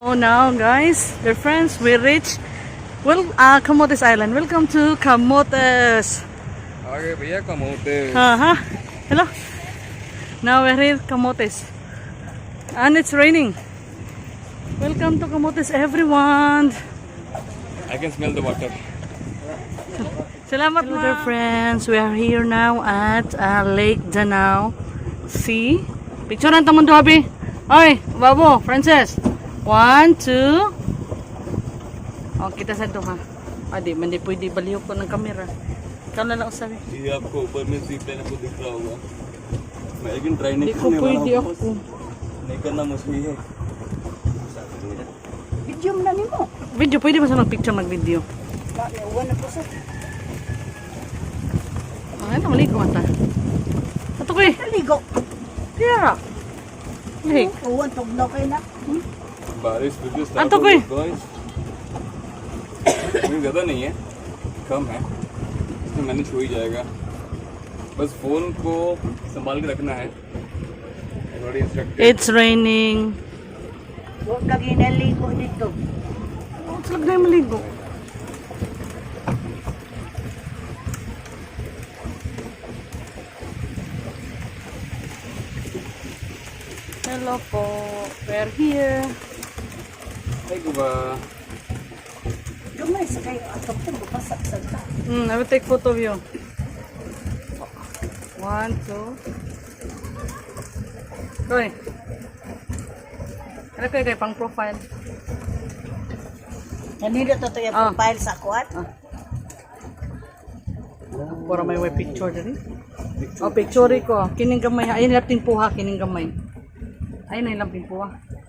Oh, now guys, dear friends, we reach Camotes Island. Welcome to Camotes. आगे भैया कमोते Hello. Now we're here Camotes, and it's raining. Welcome to Camotes, everyone. I can smell the water. Salamat. Hello, dear friends. We are here now at Lake Danau. See? Picture ng tamon to, habi. Oy, babo, Frances. 1, 2. Oh, kita sa doha. Adi, mandi pwede baliw ko ng kamera. Ikaw na lang usabi. ये आपको ऊपर में zip line आपको दिख रहा होगा मैं लेकिन ट्राई नहीं Hindi ko करने वाला pwede हूँ ako. नहीं करना मुश्किल है Video mo na nimo. Video, pwede ba sa mag-picture, mag-video? Uwan na po sa. Ano, maligo ata. Ato ko eh. Naligo. Kaya. Hey. Uwan, tugnaw kayo na. बारिश बिल्कुल हाँ, स्टार्ट तो हो कोई- गई गाइस नहीं ज़्यादा नहीं है कम है इसमें मैनेज हो ही जाएगा बस फोन को संभाल के रखना है Already instructed. It's raining. Huwag kang inaligo dito. Oh, slag na yung maligo. Hello po. We're here. Ay ba Dumay sa kayo. Ato po, bukasak sa ta. I will take photo of you. 1, 2. Koy. Ano kayo pang profile? Nanilo to yung Ah. profile sa kuwan. Para may picture dali. Oh, picture ko. Kining gamay. Ayun lang puha, kining gamay. Ayun na lang puha.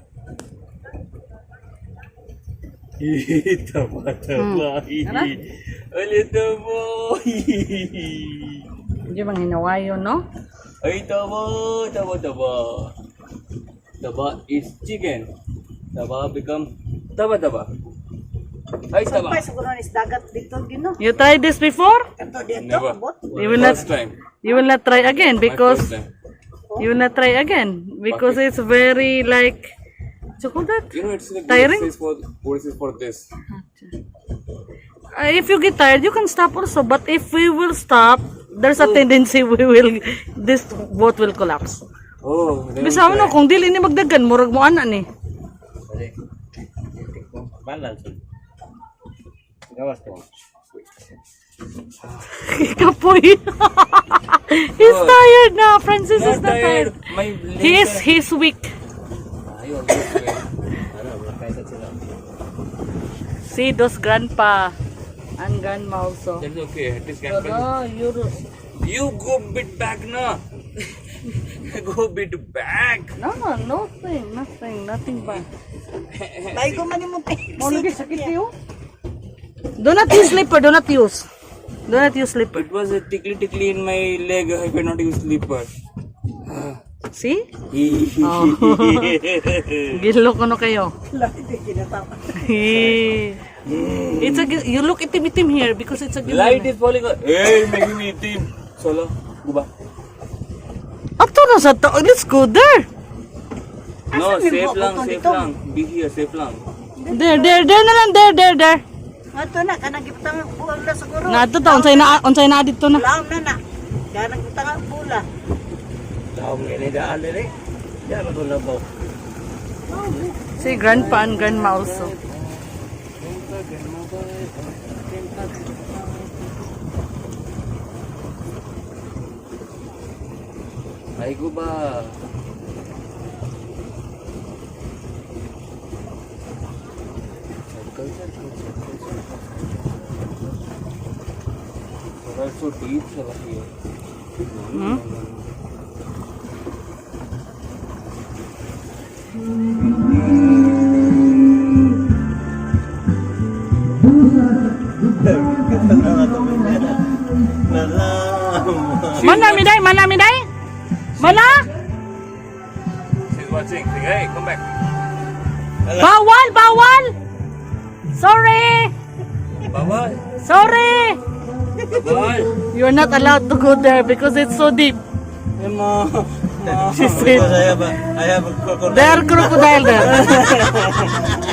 tama Ano? ulit mo Hindi bang hinawayo, no? ay taba is chicken taba become taba ay taba Sampay siguro is dagat dito gino. You tried this before? Kato dito, never abot. You will not. first time You will not try again my because first time. you will not try again because it's very like chocolate. You know, it's like Tiring? what is for this? If you get tired, you can stop also. But if we will stop, there's a tendency this boat will collapse. Oh, then Bisa mo no, kung dili ni magdagan, murag mo ana ni. Kapoy. He's tired na. Francis is not tired. My He's weak. See those grandpa and grandma also. That's okay. It is No, You go bit back na. Go bit back. nothing bad. Laigo man nimo pe. Mau lagi sakit you? Do not use slipper. Do not use slipper. It was a tickly in my leg. I cannot use slipper. See? Oh. Gilo ko no kayo. Lati di kinatama. It's a you look itim here because it's a Light is falling. Hey, making me team. Solo. Go back. Ato na sa to. Let's go there. No, Asan yung safe buhok lang, ko safe dito? lang. Be here, safe lang. There na lang there. Ato na kanang giptang buwan na siguro. Na ato ta unsay na dito na. Laom na na. Kanang giptang bula. See grandpa and grandma also. Ay, go ba? There are so deep over here. Hmm? Mana miday? Mana? She's watching. Hey, come back. Bawal! Sorry! Bye-bye. Sorry! Bye. You're not allowed to go there because it's so deep. She said, Because I have a crocodile. there are crocodile there.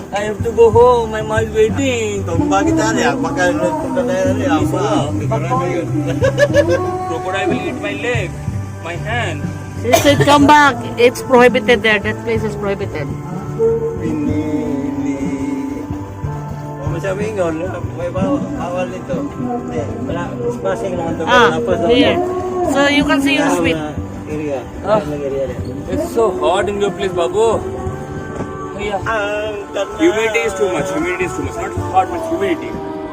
I have to go home. My mom is waiting. Tumba kita niya. Pagka-punta tayo niya. Crocodile will eat my leg, my hand. She said, come back. It's prohibited there. That place is prohibited. Pinili. O masabi nga, may bawal nito. Hindi, wala. Spacing naman ito. Here. So you can see your sweet. Area. Ah. It's so hot in your place, Babu. Yeah. Humidity is too much. Humidity is too much. Not hot, but humidity.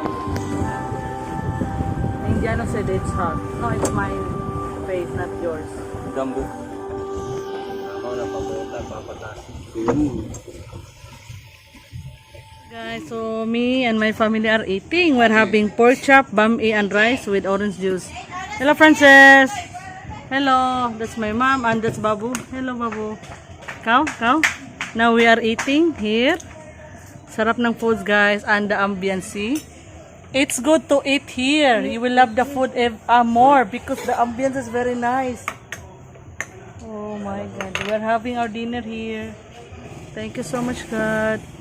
Indiano said it's hot. No, it's my face, not yours. Dumbo. Guys, so me and my family are eating. We're having pork chop, bami, and rice with orange juice. Hello, Frances. Hello. That's my mom and that's Babu. Hello, Babu. Cow. Now we are eating here. Sarap ng foods, guys, and the ambience. It's good to eat here. You will love the food more because the ambience is very nice. Oh my God. We're having our dinner here. Thank you so much, God.